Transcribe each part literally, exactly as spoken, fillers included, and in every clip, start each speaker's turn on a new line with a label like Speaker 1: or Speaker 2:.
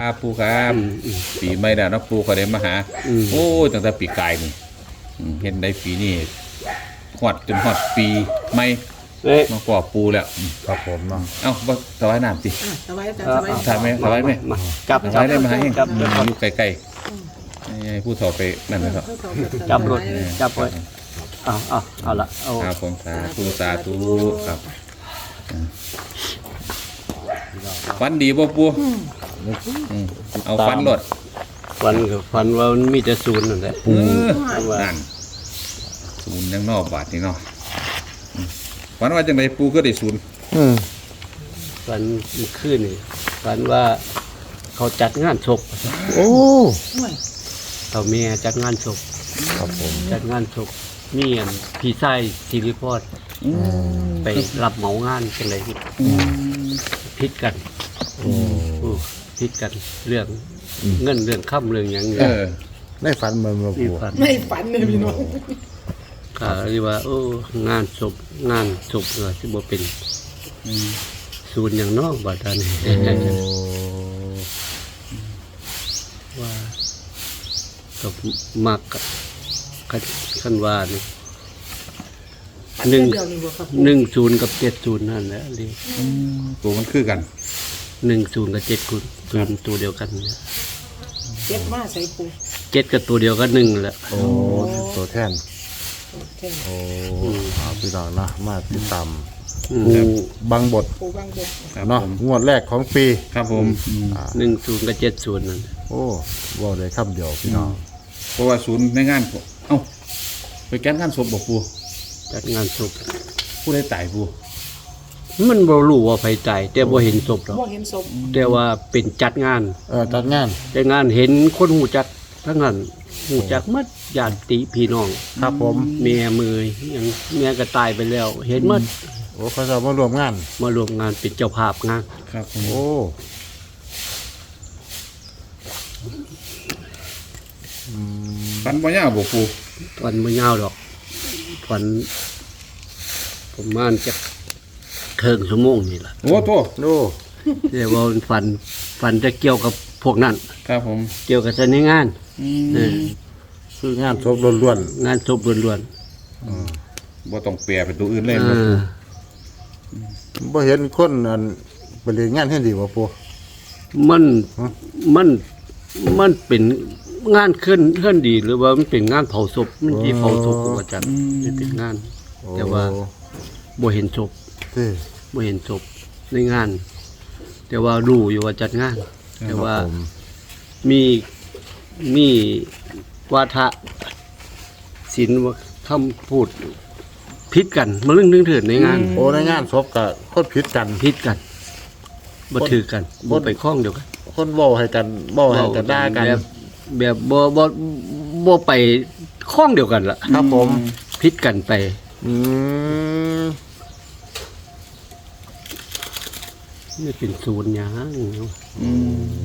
Speaker 1: ครับปูครับปีใหม่แล้วนะปูเขาได้มาหาโอ้ตั้งแต่ปีกายนี่เห็นได้ปีนี้ฮอดจนฮอดปีใหม่มาปอบปูแล้ว
Speaker 2: ครับผมเนาะ
Speaker 1: เอ้าบ่สบายน้ำสิ
Speaker 3: สบายจ้ะสบาย
Speaker 1: ถ่ายไหมสบายไหม
Speaker 4: จับ
Speaker 1: สบายได้มาให้อยู่ใกล้ๆผู้ถอไปนั่นนะครับ
Speaker 4: จับรถจับไว้เอาเอาเอาละเอา
Speaker 1: ครับผมสาธุสาธุครับฟันดีบ่ปูเอาฟันรถ
Speaker 4: ฟันกับฟันว่ามันมีแต่ศูนย์นั่นแหละ
Speaker 1: นั่นศูนย์ยังนอกบาทนี่เนาะฟันว่าจังไดปูก็ได้ศูนย์
Speaker 4: ฟันขึ้นนี่ฟันว่าเขาจัดงานศพ
Speaker 2: โอ้
Speaker 4: เขาเมียจัดงานศพ
Speaker 2: ครับผม
Speaker 4: จัดงานศพมีอันพี่ไส้ศิริพรไปรับเหมางานกันเลยพิดกันพิดกันเรื่องเงินเรื่องค่ำเรื่องอย่างเงี้ย
Speaker 2: ได้ฝันมาเมื่อปู
Speaker 3: ไม่ฝันเลยพี่น้อง
Speaker 4: ก็เรียกว่าโอ้งานศพงานศพเลยที่บ่เป็นศูนย์อย่างนอกบาดานี่ว่ากับมักกับขั้นว่านี่หนึ่งหนึ่งศูนย์กับเจ็ดศูนย์นั่นแหละเลย
Speaker 1: ตัวมันคือกัน
Speaker 4: หนึ่งศูนย์กับเจ็ดศูนย์ตัวเดียวกันเนี่ย
Speaker 3: เจ็ดมาใส่ปู
Speaker 4: เจ็ดกับตัวเดียวกันหนึ่งแหละ
Speaker 2: โอ้ตัวแทนโอ้พี่น้องนะมาติดตามปูบางบทเนาะงวดแรกของปี
Speaker 1: ครับผม
Speaker 4: หนึ่งศูนย์กับเจ็ดศูนย์นั่น
Speaker 2: โอ้ว่าเลยคำเดียวพี่น้อง
Speaker 1: เพราะว่าศูนย์ในงานเอ้าไปแก้งานศพบอกปู
Speaker 4: จัดงานศพ
Speaker 1: ผู้ได้ตายปู
Speaker 4: มันบ่รู้ว่าไผตายแต่บ่เห็นศพหรอก
Speaker 3: บ่เห็นศพ
Speaker 4: แต่ว่าเป็นจัดงาน
Speaker 2: เออจัดงาน
Speaker 4: จัดงานเห็นคนหูจักทั้งนั้นหูจักมัดญาติพี่น้อง
Speaker 2: ครับผม
Speaker 4: เมียมือยังเมียก็ตายไปแล้วเห็นมัด
Speaker 2: โอ้เขาจะมารวมงาน
Speaker 4: มารวมงานเป็นเจ้าภาพงาน
Speaker 1: ครับ
Speaker 2: โอ้
Speaker 1: ฟันบ่ยาวบ่ปู
Speaker 4: ฟันบ่ยาวดอกฟันประมาณจะเคิงชั่วโมงนี่ล่ะ
Speaker 1: โอ้โต
Speaker 2: โน่
Speaker 4: เรียกว่าฟันฟันจะเกี่ยวกับพวกนั้น
Speaker 1: ครับผม
Speaker 4: เกี่ยวกับเสน่ห์งาน
Speaker 2: คืองานศพล้วน
Speaker 4: ๆงานศพล้วน
Speaker 1: ๆบ่ต้องแปรไปตัวอื่นเลย
Speaker 2: บ่เห็นคนอันไปเรียนงานให้ดีบ่ปู่
Speaker 4: มันมันมันเป็นงานขึ้นเคลื่อนดีหรือว่ามันเป็นงานเผาศพมันที่เผาศพของอาจารย์นี่เป็นงานแต่ว่าบ่เห็นศพบ่เห็นศพในงานแต่ว่ารู้อยู่ว่าจัดงานแต่ว่ามีมีวาทะศิลป์ว่าคำพูดผิดกันมาเรื่องนึงเถิดในงาน
Speaker 2: โอ้ในงานศพกับคนผิดกัน
Speaker 4: ผิดกันบ่ถือกันบ่ไปข้องเดียวกัน
Speaker 2: คนเว้าให้กันเว้าให้กันด่ากัน
Speaker 4: แบบแบบบ่บ่บ่ไปข้องเดียวกันล่ะ
Speaker 2: ครับผม
Speaker 4: ผิดกันไป
Speaker 2: อืม
Speaker 4: นี่เป็นศูนย์หยัง
Speaker 1: อืม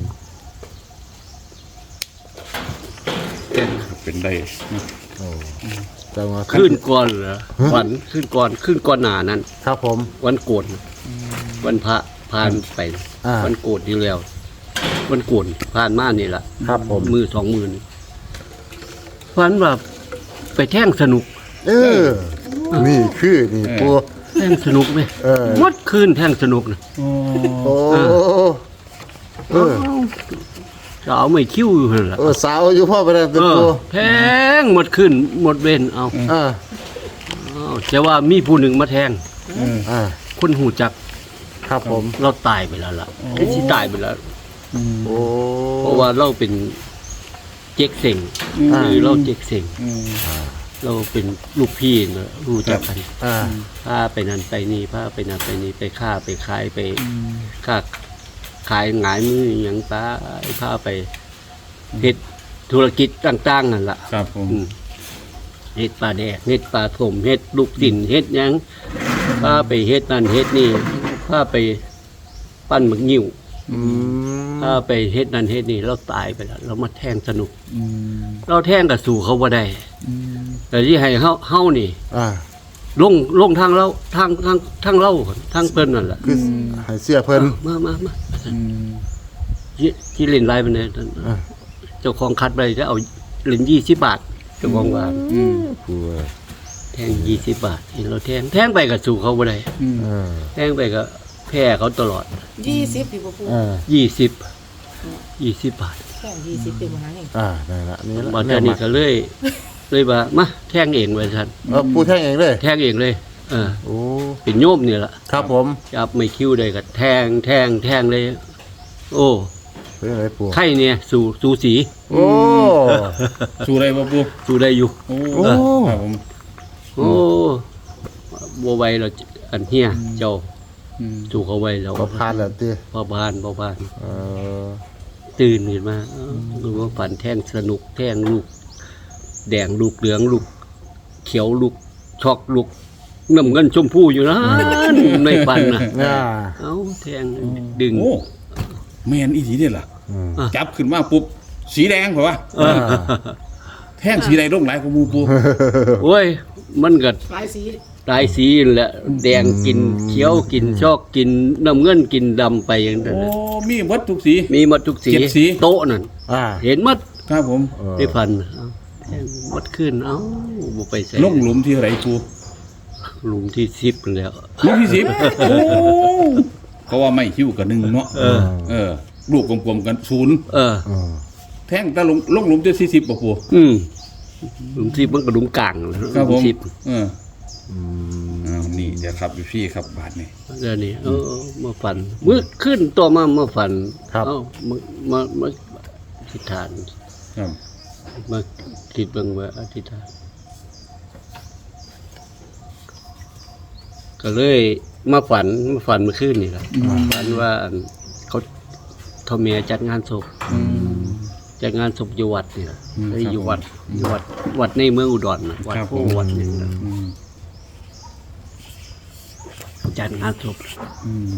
Speaker 1: เป็นได้
Speaker 2: โอ้จังว่า
Speaker 4: ขึ้นก่อนเหรอวันขึ้นก่อนขึ้นก่อนหน้านั้น
Speaker 2: ครับผม
Speaker 4: วันโกนวันพระผ่านไปวันโกนที่แล้ววันโกนผ่านมานี่ล่ะ
Speaker 2: ครับผม
Speaker 4: มือสองมือนี่ฝันว่าไปแท่งสนุก
Speaker 2: เออนี่คือนี่ปู
Speaker 4: แท่งสนุกเลยมดคืนแท่งสนุกนะ
Speaker 2: โอ้เออ
Speaker 4: สาวไม่คิ้วอยู่นั่นล่ะ
Speaker 2: เออสาวอยู่พ่อไปแล้วตัวปู
Speaker 4: แพงหมดคืนหมดเวรเอา
Speaker 2: เออ
Speaker 4: แต่ว่ามีผู้หนึ่งมาแทง
Speaker 2: อ่า
Speaker 4: คนหูจัก
Speaker 2: ครับผม
Speaker 4: เราตายไปแล้วล่ะไอ้ที่ตายไปแล้ว
Speaker 2: โอ้
Speaker 4: เพราะว่าเราเป็นเจ๊กเส็งคือเราเจ๊กเส็งเราเป็นลูกพี่เนอะรู้จักกันพาไปนั่นไปนี่พาไปนั่นไปนี่ไปฆ่าไปขายไปฆ่าขายหงายมืออย่างป้าพาไปเฮ็ดธุรกิจต่างๆนั่นแหละ
Speaker 1: ครับผม
Speaker 4: เฮ็ดปลาแดกเฮ็ดปลาถมเฮ็ดลูกสินเฮ็ดยังพาไปเฮ็ดนั่นเฮ็ดนี่พาไปปั้นหมึกนิ้วถ้าไปเฮ็ดนั่นเฮ็ดนี่เราตายไปแล้วเรามาแทงสนุกเราแทงกับสู่เขาบ่ได้แต่ที่ให้เฮาเฮานี่ลงลงทางเราทางทางทางเราทางเพิ่นนั่นแหละ
Speaker 2: คือให้เสียเพิ่น
Speaker 4: มามามาที่ที่เล่นไลน์มันเนี่ย
Speaker 2: อ่า
Speaker 4: เจ้าของคัดไปจะเอาเล่นยี่สิบบาทเจ้าของว่า
Speaker 1: อืม
Speaker 2: ปูเอ้ย
Speaker 4: แทงยี่สิบบาทเห็นเราแทงแทงไปก็สู่เขาบ่ได้
Speaker 1: อืม
Speaker 2: เออ
Speaker 4: แทงไปก็แพ้เขาตลอด
Speaker 3: ยี่สิบพี่ปูปู
Speaker 2: เออ
Speaker 4: ยี่สิบยี่สิบบาท
Speaker 3: แค่ยี่สิบเป็นมหาเอง
Speaker 2: อ่าได้ละนี่ละ
Speaker 4: บาทนี้ก็เลยเลยว่ามาแทงเองไว้ท่าน
Speaker 2: เออปูแท่งเองเลย
Speaker 4: แทงเองเลยเออ
Speaker 2: โอ้
Speaker 4: เป็นโยมนี่แหละ
Speaker 2: ครับผม
Speaker 4: จับไม่คิ้วได้ก็แทงแทงแทงเลย โอ้
Speaker 2: เป็นอะไรปู
Speaker 4: ไข่เนี่ยสู่สู่สี
Speaker 2: โอ้
Speaker 1: สู้ได้บ่ปู
Speaker 4: สู่ได้อยู่
Speaker 1: โอ้
Speaker 2: โอ้
Speaker 1: ครับผม
Speaker 4: โอ้บัวไหวเราอันเฮียเจ้า
Speaker 1: อืม
Speaker 4: สู่เขาไว้เรา
Speaker 2: ก็พานแล้วตี
Speaker 4: พอพานพอพาน
Speaker 2: เออ
Speaker 4: ตื่นขึ้นมาเอ้าดูว่าฝันแท่งสนุกแท่งลูก แดงลูกเหลืองลูก เขียวลูกช็อกลูกน้ำเงินชมพูอยู่นะในฝันนะ
Speaker 2: เนี่ย
Speaker 4: เอ้าแท่งดึง
Speaker 1: โอ้แม่นอีหลีเด้ล่ะ
Speaker 2: อืม
Speaker 1: จับขึ้นมาปุ๊บสีแดงเปล่าวะ
Speaker 2: อ่า
Speaker 1: แท่งสีใดลงหลายกว่าหมู่ปู
Speaker 4: โอ้ย มันก็
Speaker 3: หลายสี
Speaker 4: หลายสีนั่นแหละแดงกินเขียวกินชอกกินน้ำเงินกินดำไปอย่างนั้น
Speaker 1: โอ้
Speaker 4: น่ะ
Speaker 1: มีหมดทุกสี
Speaker 4: มีหมดทุกสี
Speaker 1: เจ็ดสี
Speaker 4: โต๊ะนั่น
Speaker 2: อ่า
Speaker 4: เห็นหมด
Speaker 1: ครับผม
Speaker 2: เออ
Speaker 4: ได้พันเอ้าแท่งหมดขึ้นเอ้าบ่ไปใส่
Speaker 1: ลงหลุมที่เท่าไหร่ปู
Speaker 4: หลุมที่สิบแล้ว
Speaker 1: หลุมที่สิบโอ้เขาว่าไม่คิ้วกับหนึ่งเนาะ
Speaker 4: เออ
Speaker 1: เออลูกกลมๆกันศูนย์
Speaker 4: เออ
Speaker 2: เออ
Speaker 1: แท่งตะลงลงหลุมที่สี่สิบป่ะปู
Speaker 4: อืมหลุมสิบมันก็หลุมกลางห
Speaker 1: ครับผ
Speaker 4: ลุ
Speaker 1: ม
Speaker 4: มสิบ
Speaker 1: เออ
Speaker 2: อืม
Speaker 1: อ้าวนี่เดี๋ยวครับอยู่พี่ครับบาทนี่
Speaker 4: เดี๋ยวนี้เออมาฝันมืดขึ้นตัวมามาฝัน
Speaker 2: ครับ
Speaker 4: เอ้ามามามาอธิษฐาน
Speaker 1: ครับ
Speaker 4: มาคิดเบิ่งว่าอธิษฐาน ก็เลยมาฝันมาฝันเมื่อคืนนี่แหละฝันว่าอันเขาเท่าเมียจัดงานศพจัดงานศพอยู่วัดนี่แหละเอ้ยอยู่วัดอยู่วัด วัดในเมืองอุดรนะวัด
Speaker 1: ครับ
Speaker 4: โพ
Speaker 1: ผม
Speaker 4: วัดนี่นะ
Speaker 1: อืม
Speaker 4: จัดงานศพ
Speaker 1: อืม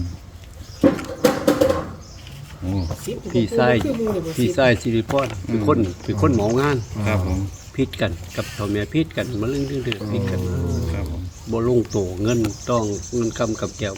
Speaker 1: โอ้
Speaker 3: สิบ
Speaker 4: พี่ไส้
Speaker 3: คือหมู่เลยบ่
Speaker 4: พี่ไส้สิริพรเป็นคนเป็นคนเหมางาน
Speaker 1: ครับผม
Speaker 4: พิดกันกับเท่าเมียพิดกันมาเรื่องเรื่องเรื่องพิดกัน
Speaker 1: ครับผม
Speaker 4: บ่ลงโตเงินต้องเงินคำกับแก้ว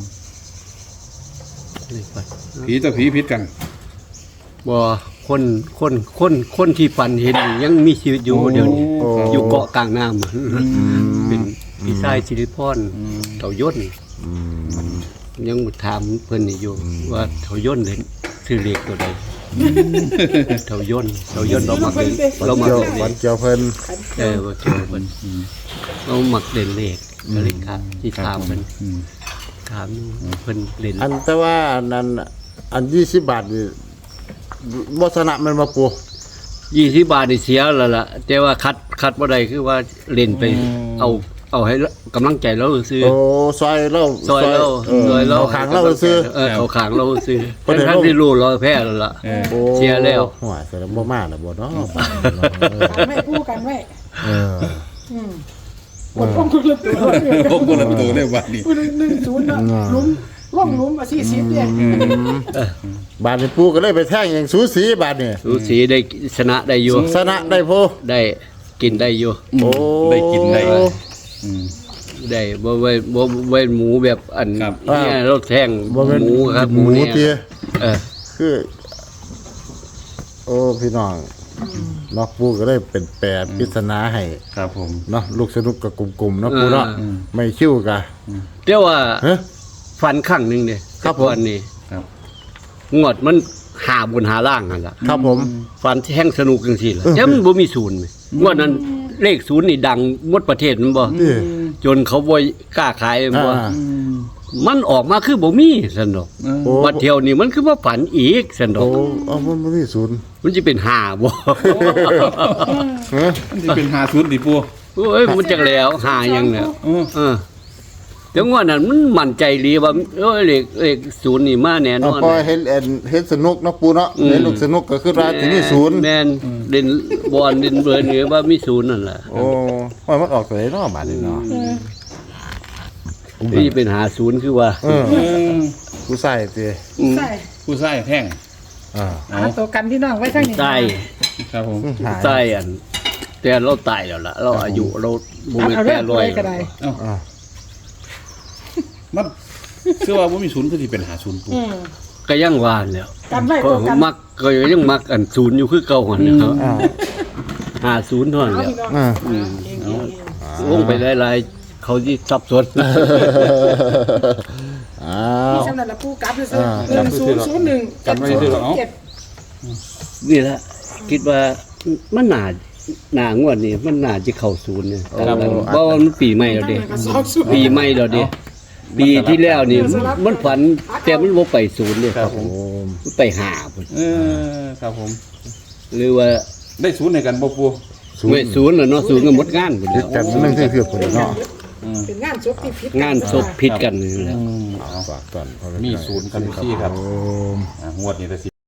Speaker 4: นี่ไป
Speaker 1: ผีต่อผีพิษกัน
Speaker 4: บ่คนคนคนคนที่ฝันเห็นยังมีชีวิตอยู่เดี๋ยวนี้
Speaker 2: โอ้
Speaker 4: อยู่เกาะกลางน้ำเป็นพี่ชายสิริพรเต่าย่น
Speaker 2: อืม
Speaker 4: ยังถามเพิ่นนี่อยู่ว่าเต่าย่นเลยชื่อเลขตัวใดเต่าย่นเต่าย่นเรามักเล่นเรามัก
Speaker 2: เกี่ยว
Speaker 4: เล่นเล
Speaker 2: วัน
Speaker 4: ข
Speaker 2: เกี่ยวเพิ่น
Speaker 4: เออว่าเกี่ยวเพิ่นเรามักเล่นเลขก็เลยครับที่ถามเพิ่น
Speaker 1: อืม
Speaker 4: ถามเพิ่นเล่น
Speaker 2: อันแต่ว่าอันนั้นอันยี่สิบบาทนี่บ่ชนะมันมาปู
Speaker 4: ยี่สิบบาทนี่เสียแล้วล่ะแต่ว่าคัดคัดบ่ได้คือว่าเล่นไปเอาเอาให้กำลังใจเราซื้อ
Speaker 2: โอ้ซอยเรา
Speaker 4: ซอยเรา
Speaker 2: เออ
Speaker 4: ซอยเรา
Speaker 2: เอาขางเราซื้อ
Speaker 4: เออเอาขางเราซื้อ
Speaker 2: ประเดี๋ยว
Speaker 4: ทั้งที่รู้เราแพ้แล้วล่ะ
Speaker 1: เออ
Speaker 2: โอ้
Speaker 4: เสียแล้ว
Speaker 2: หัวเสียแล้วบ่มาแล้วบ่เนาะบาทเนาะ
Speaker 3: กันไว้คู่กันไว้
Speaker 2: เออ
Speaker 3: อืมปกป้องคนละตัว
Speaker 1: พวกคนละตัวเลยบาทนี่
Speaker 3: ผู้หนึ่งหนึ่งศูนย์เนาะหลุมล่องหลุมมาสี่สิบเนี่ย
Speaker 2: บาทนี่ปูก็เลยไปแท่งเองสูสีบาทนี่
Speaker 4: สูสีได้ชนะได้อยู่
Speaker 2: ชนะได้โพ
Speaker 4: ได้กินได้อยู่
Speaker 2: โอ้
Speaker 1: ได้กินได้อืม
Speaker 4: ได้บ่ไว้บ่ไว้หมูแบบอัน
Speaker 1: ครับ
Speaker 4: เนี่ยเราแท่ง
Speaker 2: บ่เป็น
Speaker 4: หมูครับ
Speaker 2: หมู
Speaker 4: เนี่ย
Speaker 2: เตี้ย
Speaker 4: เออ
Speaker 2: คือ โอ้พี่น้องเนาะปูก็เลยเป็นแปรปริศนาให้
Speaker 1: ครับผม
Speaker 2: เนาะลูกสนุกกับกลุ่มๆเนาะปูเนาะไม่คิ้วกะ
Speaker 4: แต่ว่า
Speaker 2: เฮ้ย
Speaker 4: ฟันข้างหนึงเนี่ย
Speaker 2: ครับผม
Speaker 4: วันนี้
Speaker 1: ครับ
Speaker 4: งวดมันหาบนหาล่างนั่นล่ะ
Speaker 2: ครับผม
Speaker 4: ฟันแห้งสนุกจังซี่ล่ะแต่มันบ่มีศูนย์งวดนั้นเลขศูนย์นี่ดังหมดประเทศมันบ่
Speaker 2: นี่
Speaker 4: จนเขาบ่กล้าขายมันบ่
Speaker 2: อ่า
Speaker 4: มันออกมาคือบ่มีซั่นดอก
Speaker 2: โอ้
Speaker 4: บัดเที่ยวนี้มันคือว่าฝันอีกซั่นดอ
Speaker 2: โอ้
Speaker 4: ก
Speaker 2: เอามันบ่มีศูนย์
Speaker 4: มันสิเป็นห้าบ่
Speaker 2: เฮ้ย
Speaker 1: มันจะเป็นหาศูนย์ดิปู
Speaker 4: โอ้ยมันจักแล้วห้าหยังเนี่ย
Speaker 1: เออ
Speaker 4: เออแต่งวดนั้นมันมั่นใจดีว่าเอ้ยเลขเลขศูนย์นี่มาแน่น
Speaker 2: เอา
Speaker 4: อน
Speaker 2: พอเห็นเอ็นเห็นสนุกเนาะปูเนาะ
Speaker 4: อืม
Speaker 2: เห็นลูกสนุกก็คือว่าที่มีศูนย์
Speaker 4: แม่นเล่นบอลเล่นเบิร์นนี่ว่ามีศูนย์นั่นแหละ
Speaker 2: โอ้ว่ามันออกตัวไหนเนาะบาดนี้เนาะ
Speaker 4: นี่เป็นหาศูนย์คือว่า
Speaker 2: เออกูใส่ติ
Speaker 4: อืม
Speaker 3: ใช่
Speaker 1: ผู้ใส่แท่ง
Speaker 2: อ่า
Speaker 1: เอา
Speaker 3: หาตัวกันพี่น้องไว้ข้างนี้
Speaker 4: ใต้
Speaker 1: ครับผม
Speaker 2: หาย
Speaker 4: ใต้อัน แต่เราตายแล้วล่ะ เราอายุเราบ่แม่น
Speaker 3: เอา
Speaker 4: แป
Speaker 3: เรื่
Speaker 4: ด
Speaker 3: อง
Speaker 4: ร้อย
Speaker 3: ไว้ก็ได้
Speaker 2: อ่า
Speaker 1: มันเชื่อว่าบ่มีศูนย์คือที่เป็นหาศูนย์ปู
Speaker 3: อืม
Speaker 4: ก็ยังวานแล้ว
Speaker 3: กันไว้
Speaker 4: ก็
Speaker 3: ตัวกัน
Speaker 4: มักก็ยังมักอันศูนย์อยู่คือเก่าหั่นนะครับ
Speaker 2: อ่า
Speaker 4: ห้าศูนย์เท่านั้น
Speaker 3: เอา
Speaker 4: แหล้ว
Speaker 3: พี่น้อง
Speaker 2: อ่า
Speaker 3: เองเองเอง
Speaker 4: วงไปหลายๆเขาที่สับสน
Speaker 2: อ้า
Speaker 3: มี
Speaker 2: ว
Speaker 3: สำนักละปูกลับเลยซื้อ
Speaker 2: อ่า
Speaker 3: หนึ่งศูนย์ศูนย์หนึ่ง
Speaker 1: กลับไว้ซื้อเหรอ
Speaker 3: เจ็ด
Speaker 4: นี่แหละคิดว่ามันน่าหนางวดนี้มันน่าจะเข้าศูนย์เนี่ย
Speaker 1: ครับผม
Speaker 4: เพราะว่ามันปีใหม่แล้ว
Speaker 3: ตั้ง
Speaker 4: เด้
Speaker 3: แต่ก็สองศูนย์
Speaker 4: ปีใหม่แล้วเด้ปีที่แล้วนี่มันฝันแต่มันบ่ไปศูนย์เด้
Speaker 1: ครับผม
Speaker 2: โอ้
Speaker 4: มันไปหาพุ่น
Speaker 1: เออครับผม
Speaker 4: หรือว่า
Speaker 1: ได้ศูนย์ในกันบ่ปู
Speaker 2: ศูน
Speaker 4: เว้ย
Speaker 2: ย์
Speaker 4: ศูนย์น่ะเนาะศูนย์ก็หมดงานพุ่น
Speaker 2: ติ
Speaker 4: แล้
Speaker 2: ด
Speaker 4: ว
Speaker 2: กันนั่นคือคือคนเนาะ
Speaker 3: เป็นงานศพที่ผิด
Speaker 4: งานศพผิดกันนี่แหละ
Speaker 1: อืมเอา
Speaker 2: ฝากก่อนพ่อแ
Speaker 1: มีศูนย์กันอยู่ที่ครับ
Speaker 2: โอ้
Speaker 1: อ่างวดนี้แต่สิ